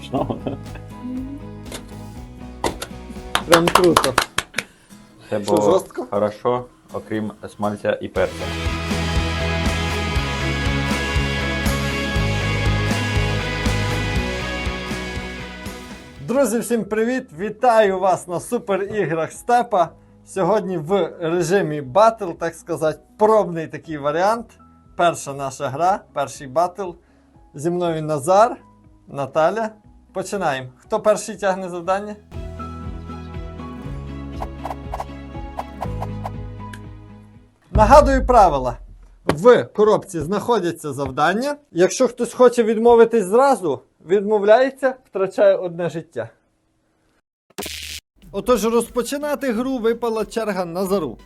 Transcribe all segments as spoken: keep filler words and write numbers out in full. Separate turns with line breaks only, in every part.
Смачного.
Прям круто.
Це
Що,
було
жорстко?
хорошо, окрім смальця і перця.
Друзі, всім привіт! Вітаю вас на суперіграх Степа. Сьогодні в режимі батл, так сказати, пробний такий варіант. Перша наша гра, перший батл. Зі мною Назар, Наталя. Починаємо. Хто перший тягне завдання? Нагадую правила. В коробці знаходяться завдання. Якщо хтось хоче відмовитись зразу, відмовляється, втрачає одне життя. Отож, розпочинати гру випала черга Назару.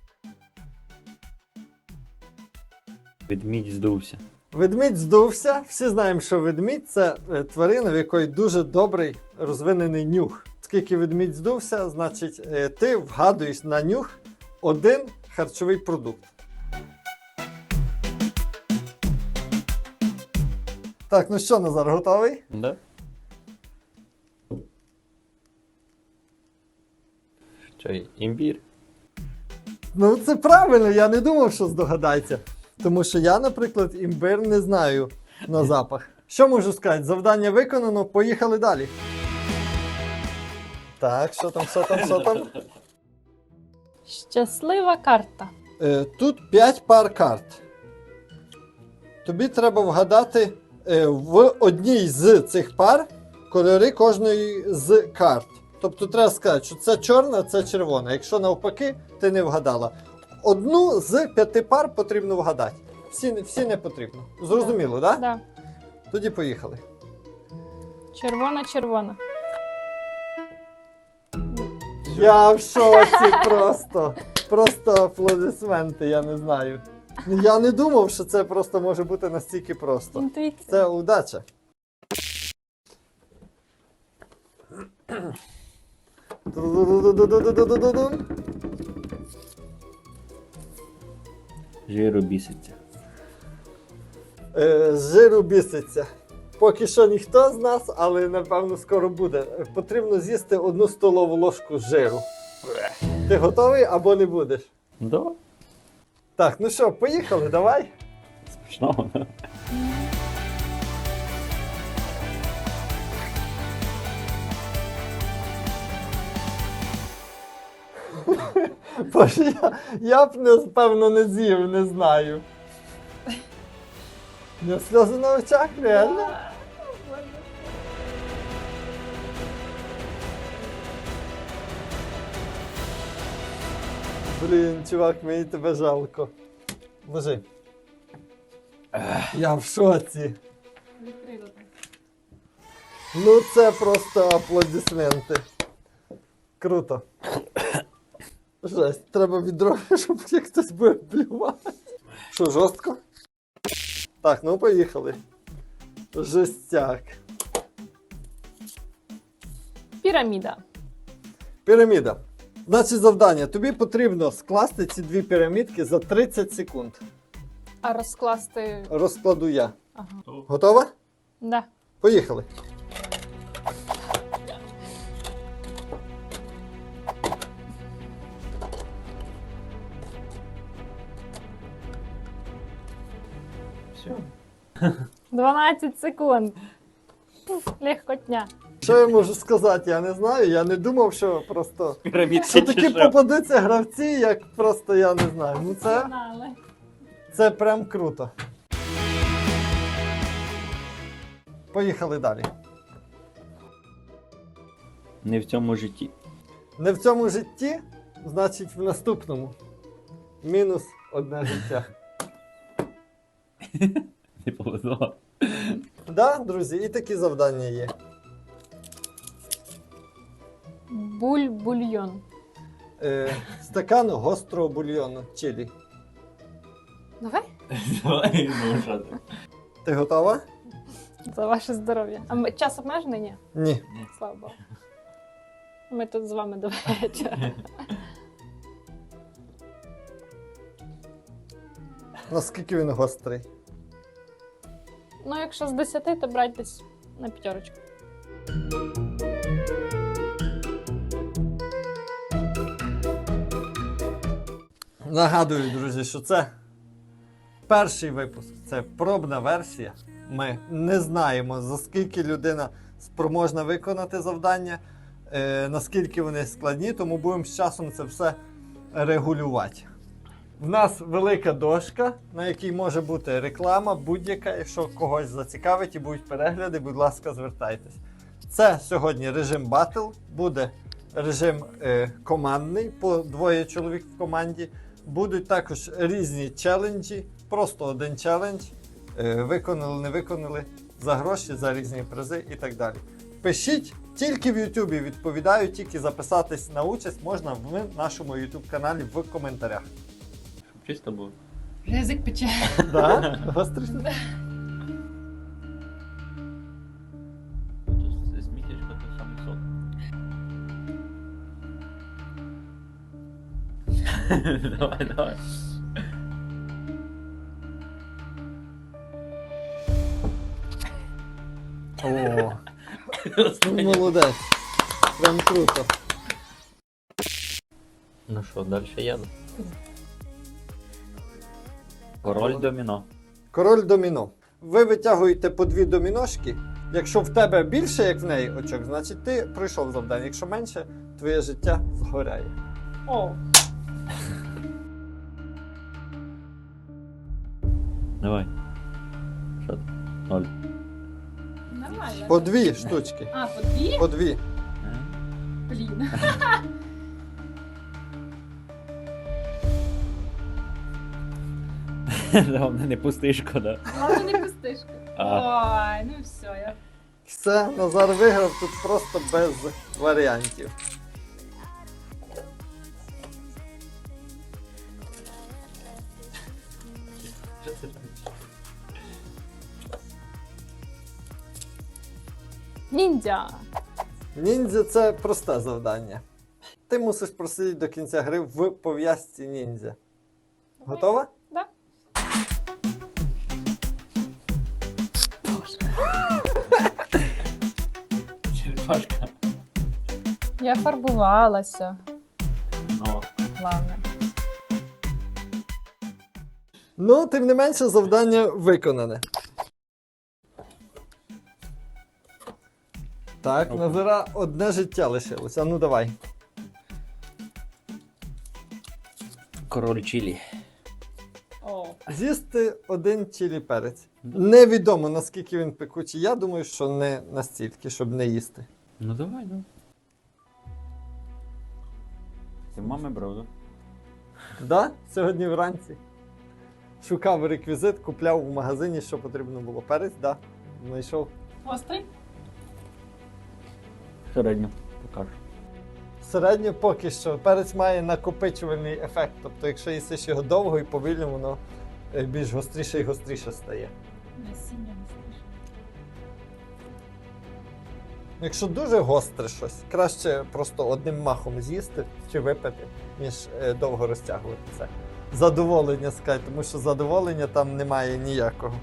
Ведмідь здувся.
Ведмідь здувся. Всі знаємо, що ведмідь – це е, тварина, в якої дуже добрий розвинений нюх. Оскільки ведмідь здувся, значить е, ти вгадуєш на нюх один харчовий продукт. Так, ну що, Назар, готовий?
Да? Що, імбір?
Ну, це правильно, я не думав, що здогадається. Тому що я, наприклад, імбир не знаю на запах. Що можу сказати? Завдання виконано, поїхали далі. Так, що там, що там, що там?
Щаслива карта.
Е, тут п'ять пар карт. Тобі треба вгадати е, в одній з цих пар кольори кожної з карт. Тобто треба сказати, що це чорна, це червона. Якщо навпаки, ти не вгадала. Одну з п'яти пар потрібно вгадати. Всі, всі не потрібно. Зрозуміло, так? Да?
Да.
Тоді поїхали.
Червона-червона.
Я в шоці просто. Просто аплодисменти, я не знаю. Я не думав, що це просто може бути настільки просто.
Інтуїція.
Це удача. Ду-ду-ду-ду-ду-ду-ду-ду-ду.
Жиру біситься.
Е, з жиру біситься. Поки що ніхто з нас, але напевно скоро буде. Потрібно з'їсти одну столову ложку жиру. Ти готовий або не будеш?
Да?
Так, ну що, поїхали, давай.
Смачного.
Боже, я, я б, напевно, не з'їв, не знаю. Не сльози на очах, реально? Блін, чувак, мені тебе жалко. Ложи. Я в шоці. Ну це просто аплодисменти. Круто. Жесть, треба відро, щоб як хтось буде плювати. Що, жорстко? Так, ну поїхали. Жестяк.
Піраміда.
Піраміда. Значить завдання. Тобі потрібно скласти ці дві пірамідки за тридцять секунд.
А розкласти.
Розкладу я.
Ага.
Готова?
Да.
Поїхали.
Все.
дванадцять секунд. Пуф, легкотня.
Що я можу сказати? Я не знаю. Я не думав, що просто.
Пірамідки
Що такі
чи що?
попадуться гравці, як просто я не знаю. Ну це,
Знали.
це прям круто. Поїхали далі.
Не в цьому житті.
Не в цьому житті, значить в наступному. Мінус одне життя.
Не повезло.
Да, друзі, і такі завдання є.
Буль-бульйон.
Е, стакан гострого бульйону чилі.
Давай.
Давай, ну що ти?
Ти готова?
За ваше здоров'я. А ми- час обмежений? Ні.
Ні.
Слава Богу. Ми тут з вами до вечора.
Наскільки він гострий?
Ну, якщо з десяти, то брать десь на п'ятерочку.
Нагадую, друзі, що це перший випуск, це пробна версія. Ми не знаємо, за скільки людина спроможна виконати завдання, е, наскільки вони складні, тому будемо з часом це все регулювати. В нас велика дошка, на якій може бути реклама будь-яка. Якщо когось зацікавить і будуть перегляди, будь ласка, звертайтесь. Це сьогодні режим батл, буде режим е, командний, по двоє чоловік в команді. Будуть також різні челенджі, просто один челендж, е, виконали, не виконали, за гроші, за різні призи і так далі. Пишіть, тільки в Ютубі відповідаю, тільки записатись на участь можна в нашому Ютуб каналі в коментарях.
Щоб чисто було.
Язик пече.
Да? Гострий?
Тут сміттячко, то саме сок. Давай, давай.
О, ну, молодець. Прям круто.
Ну що, далі я. Король доміно.
Король доміно. Ви витягуєте по дві доміношки. Якщо в тебе більше, як в неї очок, значить ти пройшов завдання. Якщо менше, твоє життя згоряє.
О,
Давай. Що ти? Ноль.
нормально.
По дві штучки.
А, по дві?
По дві.
Е?
Блін.
Головне, не пустишко, да?
Ладно, не пустишка.
А.
Ой, ну все, я...
Все, Назар виграв тут просто без варіантів.
Що це робиш?
Ніндзя.
Ніндзя це просте завдання. Ти мусиш просидіти до кінця гри в пов'язці ніндзя. Готова?
Да.
Черепашка.
Я фарбувалася.
Ну.
Главне.
Ну, тим не менше, завдання виконане. Так,
Ну.
Назара одне життя лишилося. А ну давай.
Король чилі.
О.
З'їсти один чилі перець. Невідомо наскільки він пекучий. Я думаю, що не настільки, щоб не їсти.
Ну давай, ну. Ти в мами брав, да?
Да? Сьогодні вранці. Шукав реквізит, купляв у магазині, що потрібно було. Перець, да. Знайшов.
Острий?
Середньо. Покажу.
Середньо поки що. Перець має накопичувальний ефект. Тобто, якщо їсиш його довго і повільно, воно е, більш гостріше і гостріше стає.
Насіння остріше.
Якщо дуже гостре щось, краще просто одним махом з'їсти чи випити, ніж е, довго розтягувати це. Задоволення скай, тому що задоволення там немає ніякого.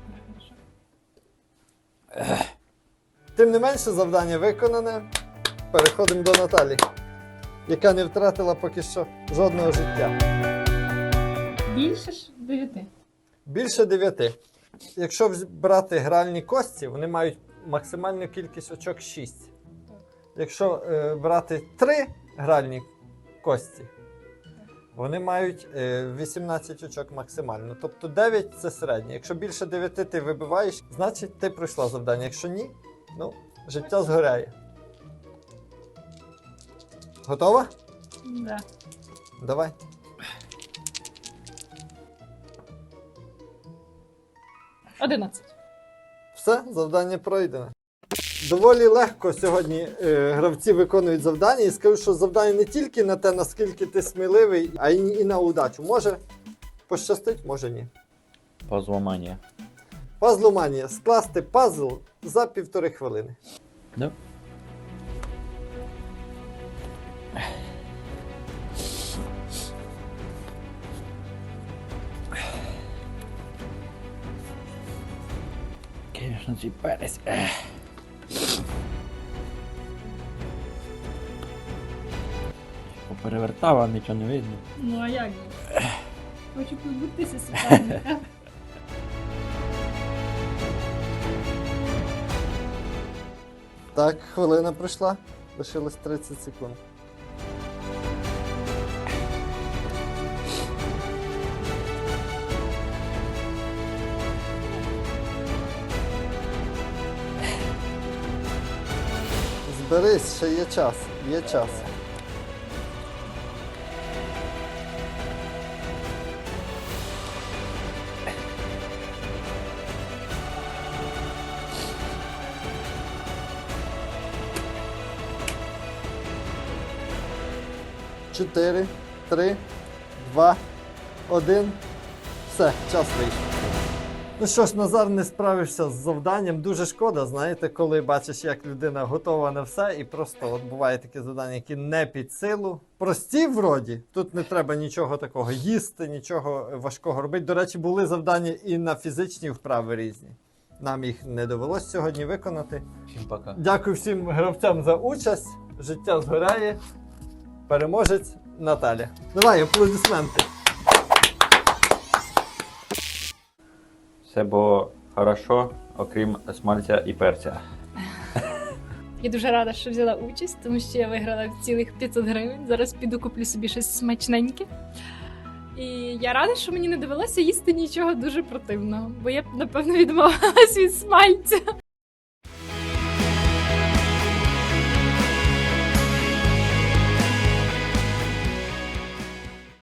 Тим не менше, завдання виконане. Переходимо до Наталі, яка не втратила поки що жодного життя.
Більше ж дев'яти.
Більше дев'яти. Якщо вз- брати гральні кості, вони мають максимальну кількість очок шість. Якщо е, брати три гральні кості, вони мають е, вісімнадцять очок максимально. Тобто дев'ять це середнє. Якщо більше дев'яти ти вибиваєш, значить ти пройшла завдання. Якщо ні, ну, життя згоряє. Готова?
Да.
Давай.
Одинадцять.
Все, завдання пройдено. Доволі легко сьогодні е, гравці виконують завдання. І скажу, що завдання не тільки на те, наскільки ти сміливий, а й і на удачу. Може пощастить, може ні.
Пазломанія.
Пазломанія. Скласти пазл за півтори хвилини.
Да? Конечно, цей перець. Ех. перевертав, а нічого не видно.
Ну а як же? Хочу позбутися суперника.
Так, хвилина пройшла. Лишилось тридцять секунд. Зберись, ще є час. Є час. Чотири, три, два, один. Все, час вийшов. Ну що ж, Назар не справився з завданням. Дуже шкода, знаєте, коли бачиш, як людина готова на все, і просто от буває таке завдання, які не під силу. Прості вроді, тут не треба нічого такого їсти, нічого важкого робити. До речі, були завдання і на фізичні вправи різні. Нам їх не довелось сьогодні виконати.
Всім пока.
Дякую всім гравцям за участь. Життя згоряє. Переможець Наталя. Давай, аплодисменти.
Все було хорошо, окрім смальця і перця.
Я дуже рада, що взяла участь, тому що я виграла цілих п'ятсот гривень. Зараз піду куплю собі щось смачненьке. І я рада, що мені не довелося їсти нічого дуже противного, бо я б, напевно, відмовилась від смальця.